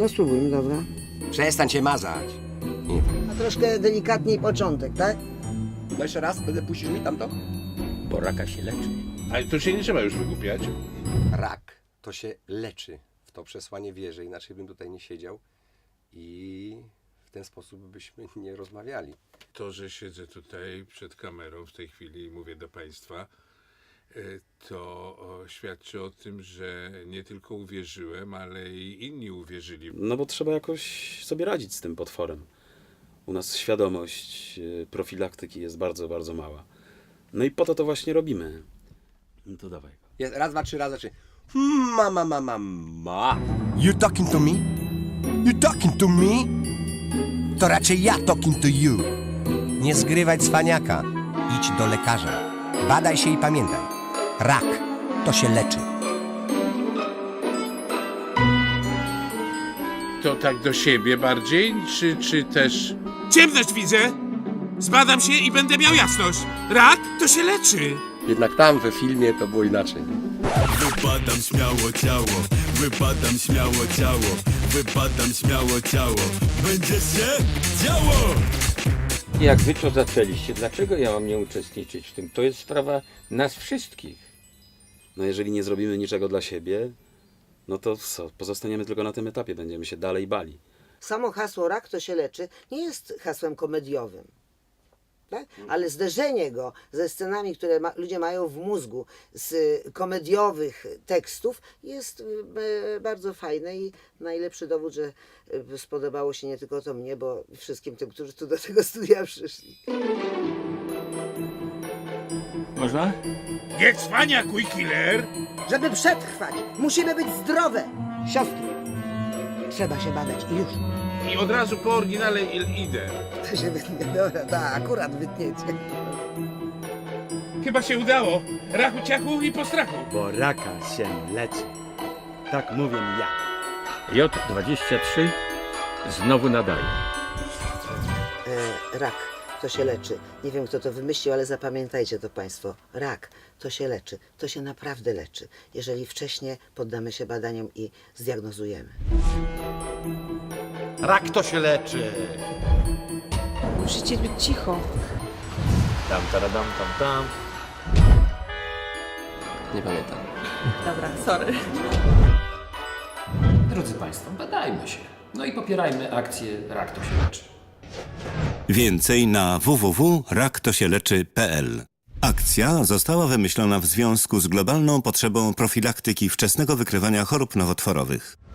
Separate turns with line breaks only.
No spróbujmy, dobra.
Przestań się mazać. Nie.
A troszkę delikatniej początek, tak?
No jeszcze raz, będę puścić mi tamto?
Bo raka się leczy.
Ale tu się nie trzeba już wygłupiać.
Rak to się leczy. W to przesłanie wierzę, inaczej bym tutaj nie siedział i w ten sposób byśmy nie rozmawiali.
To, że siedzę tutaj przed kamerą w tej chwili i mówię do Państwa, to świadczy o tym, że nie tylko uwierzyłem, ale i inni uwierzyli.
No bo trzeba jakoś sobie radzić z tym potworem. U nas świadomość profilaktyki jest bardzo, bardzo mała. No i po to właśnie robimy. No to dawaj.
Jest, raz, dwa, trzy, raz, dwa, trzy. Ma. You talking to me? You talking to me? To raczej ja talking to you. Nie zgrywaj cwaniaka. Idź do lekarza. Badaj się i pamiętaj. Rak to się leczy.
To tak do siebie bardziej, czy też...
Ciemność widzę! Zbadam się i będę miał jasność. Rak to się leczy.
Jednak tam we filmie to było inaczej.
Wypadam śmiało ciało, wypadam śmiało ciało, wypadam śmiało ciało. Będzie się działo!
Jak wy to zaczęliście, dlaczego ja mam nie uczestniczyć w tym? To jest sprawa nas wszystkich.
No jeżeli nie zrobimy niczego dla siebie, no to co? Pozostaniemy tylko na tym etapie, będziemy się dalej bali.
Samo hasło rak to się leczy nie jest hasłem komediowym. Tak? Ale zderzenie go ze scenami, które ludzie mają w mózgu, z komediowych tekstów jest bardzo fajne i najlepszy dowód, że spodobało się nie tylko to mnie, bo wszystkim tym, którzy tu do tego studia przyszli.
Można?
Nie cwaniakuj, killer!
Żeby przetrwać, musimy być zdrowe. Siostry, trzeba się badać i już.
I od razu po oryginale idę.
To się wytnie, dobra, tak, akurat wytniecie.
Chyba się udało. Rachu, ciachu i po strachu.
Bo raka się leczy. Tak mówię ja.
J23 znowu nadaje.
Rak to się leczy. Nie wiem, kto to wymyślił, ale zapamiętajcie to Państwo. Rak to się leczy. To się naprawdę leczy, jeżeli wcześniej poddamy się badaniom i zdiagnozujemy.
Rak to się leczy.
Musicie być cicho.
Tam, taradam, tam, tam.
Nie pamiętam.
Dobra, sorry.
Drodzy Państwo, badajmy się. No i popierajmy akcję Rak to się leczy.
Więcej na www.raktosieleczy.pl. Akcja została wymyślona w związku z globalną potrzebą profilaktyki wczesnego wykrywania chorób nowotworowych.